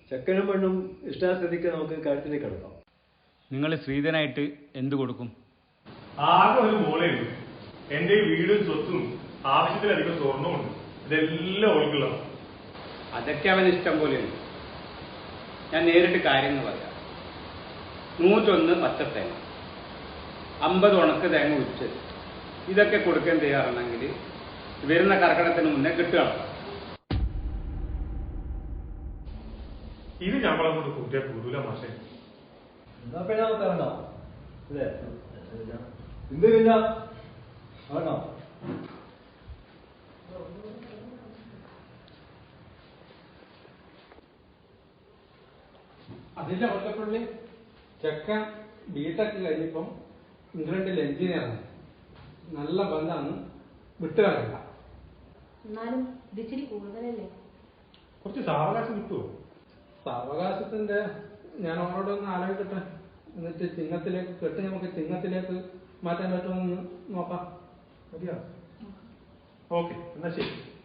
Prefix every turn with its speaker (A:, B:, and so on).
A: ചെക്കനും പെണ്ണും ഇഷ്ടാസ്ഥിതിക്ക് നമുക്ക് കാര്യത്തിലേക്ക് കിടക്കാം.
B: നിങ്ങൾ ശ്രീധനായിട്ട് എന്ത് കൊടുക്കും?
C: ആകെ ഒരു മോളേ ഉള്ളൂ. എന്റെ വീടും സ്വത്തും ആവശ്യത്തിലധികം സ്വർണ്ണമുണ്ട്. ഇതെല്ലാം ഓൾക്കുള്ളതാണ്.
D: അതൊക്കെ അവന് ഇഷ്ടം പോലെയുണ്ട്. ഞാൻ നേരിട്ട് കാര്യങ്ങൾ പറയാം. 101 പച്ചത്തേങ്ങ, 50 ഉണക്ക് തേങ്ങ ഉച്ചത്, ഇതൊക്കെ കൊടുക്കാൻ തയ്യാറാണെങ്കിൽ വരുന്ന കർക്കിടത്തിന് മുന്നേ കിട്ടുകയാണ്.
C: ഇത് ഞമ്മളെ കൊണ്ട് കൂട്ടിയാൽ കൂടൂല മാഷേ.
A: എന്നാ പിന്നെ നമുക്ക് ഇറങ്ങാം അല്ലേ? എന്തില്ല ഇറങ്ങാം.
E: അതിന്റെ ഒറ്റപ്പള്ളി ചെക്കൻ ബിടെക് കഴിഞ്ഞപ്പം ഇംഗ്ലണ്ടിൽ എഞ്ചിനീയറാണ്. നല്ല ബന്ധമാണ്, വിട്ടുകളയണ്ട.
F: എന്നാലും ഇതിച്ചിരി കൂടുതലല്ലേ?
C: കുറച്ച് സാവകാശം കിട്ടുമോ?
E: സാവകാശത്തിന്റെ ഞാൻ അവരോടൊന്ന് ആലോചിക്കട്ടെ. എന്നിട്ട് ചിങ്ങത്തിലേക്ക് കെട്ടി നമുക്ക് ചിങ്ങത്തിലേക്ക് മാറ്റാൻ പറ്റുമെന്ന് നോക്കാം.
C: മതിയോ? ഓക്കെ, എന്നാ ശരി.